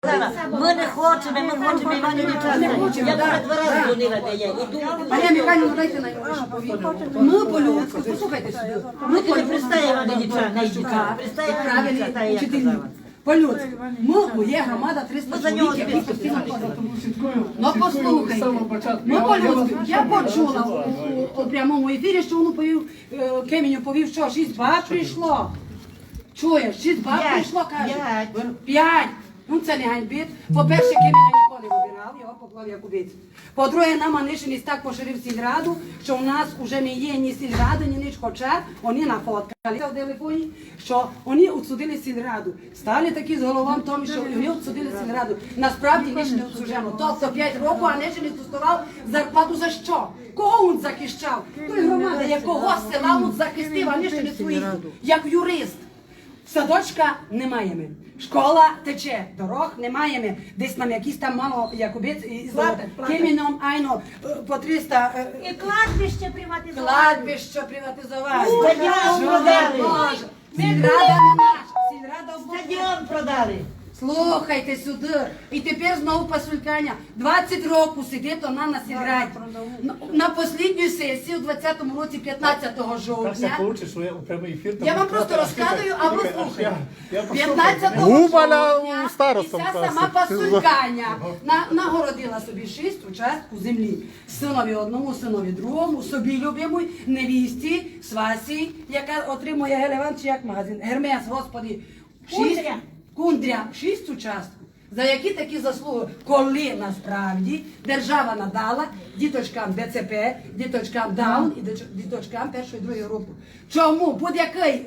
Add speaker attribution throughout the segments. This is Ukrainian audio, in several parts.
Speaker 1: Ми не хочемо Івану Нічасу. Я вже 2 рази дзвонила, де я йду.
Speaker 2: Марія Михайлівна, дайте на його повідомлення. Ми по-людську, послухайте сюди.
Speaker 1: Ми коли пристає Івану Нічасу, пристає Івану Нічасу, та я казала.
Speaker 2: По-людську. Ми, є громада 300 чоловік, які постійно ходять. Ну послухайте, ми по-людську. Я почула у прямому ефірі, що воно повів, Кеміню повів, що 6 баб прийшло. Чуєш, 6 баб прийшло, каже. 5. Ну це не ганьбить. По-перше, Кемінь ніколи не вибирав, його поклав як убійцю. По-друге, нам Анишиніс так поширив сільраду, що у нас вже не є ні сільрада, ні ніч, хоча вони нафоткали в телефоні, що вони відсудили сільраду. Стали такі з головом тому, що вони відсудили сільраду. Насправді ніч не відсуджено. Тобто 5 років Анишиніс доставав зарплату за що? Кого він захищав? Той громада, якого села він захистив, Анишиніс своїх, як юрист. Садочка не маємо. Школа тече, дорог не маємо. Десь нам якісь там мало, як обіць, з Кеміном, айно, по 300...
Speaker 3: І кладбище приватизовано.
Speaker 2: Кладбище приватизовано.
Speaker 1: Стадіон продали.
Speaker 2: Сільрада не наша. Сільрада
Speaker 1: Стадіон продали.
Speaker 2: Слухайте сюди. І тепер знову пасулькання. 20 років сидить вона на сільраді. На останню сесію, у 20-му році, 15 жовтня. Я вам просто розказую, а ви слухайте. 15 жовтня і ця сама пасулькання нагородила собі 6 участків землі. Синові одному, синові другому, собі любимій, невісті, свасі, яка отримує Гелеван, чи як магазин. Гермес, господи. Кундря, 6 участків. За які такі заслуги, коли насправді держава надала діточкам ДЦП, діточкам Даун і діточкам першої і другої групи. Чому? Будь-який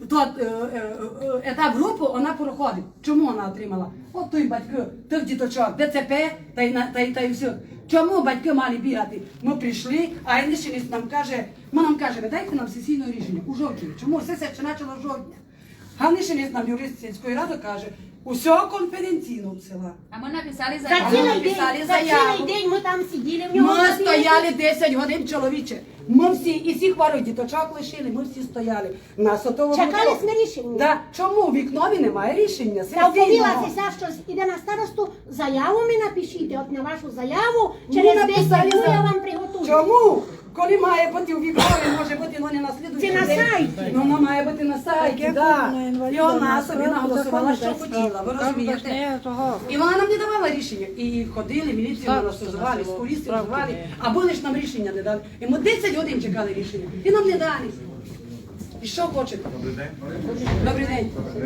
Speaker 2: етап групи вона проходить. Чому вона отримала? От той батьки, тих діточок, ДЦП та й все. Чому батьки мали бігати? Ми прийшли, а Анишиніс нам каже, ви дайте нам сесійне рішення у жовтні. Чому? Сесія ще почала в жовтні. Анишиніс нам юрист сільської ради каже, усе конфіденційно в села.
Speaker 3: А ми написали
Speaker 2: За
Speaker 3: цілий день ми там сиділи, в нього...
Speaker 2: Ми стояли 10 годин, чоловіче. Ми всі, і всіх хворих діточок лишили, ми всі стояли. Нас отого
Speaker 3: Чекали ми рішення.
Speaker 2: Да. Чому? В вікнові немає рішення.
Speaker 3: Я оповілася, що іде на старосту, заяву ми напишіть, от на вашу заяву, через 10 днів я вам приготую.
Speaker 2: Чому? Коли має бути у вікнові, може бути, але не на слідуючий
Speaker 3: день. Це на сайті.
Speaker 2: Воно має бути на сайті, так. І вона собі наголосувала, що хотіла, ви розумієте? І вона нам не давала рішення. І ходили, міліцію нас звали, скурісти звали, а були ж нам рішення не дали. І ми 10 годин чекали рішення. І нам не дали. І що хочете? Добрий день. Добрий день.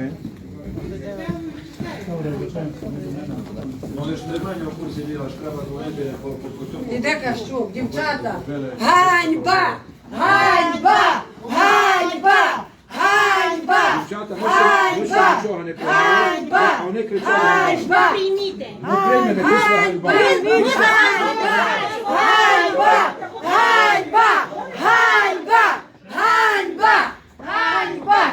Speaker 2: Іде Кащук, дівчата. Ганьба! Ганьба! Ганьба! Ганьба! Ганьба! Ганьба! Ганьба!
Speaker 3: Прийміте.
Speaker 2: Ганьба! Ганьба! Ганьба! Ганьба! Ганьба! Ганьба!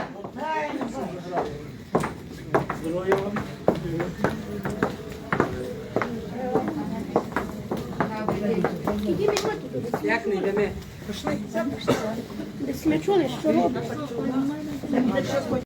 Speaker 2: Як не йдемо? Пішли.
Speaker 3: Десь ми чули, що робить.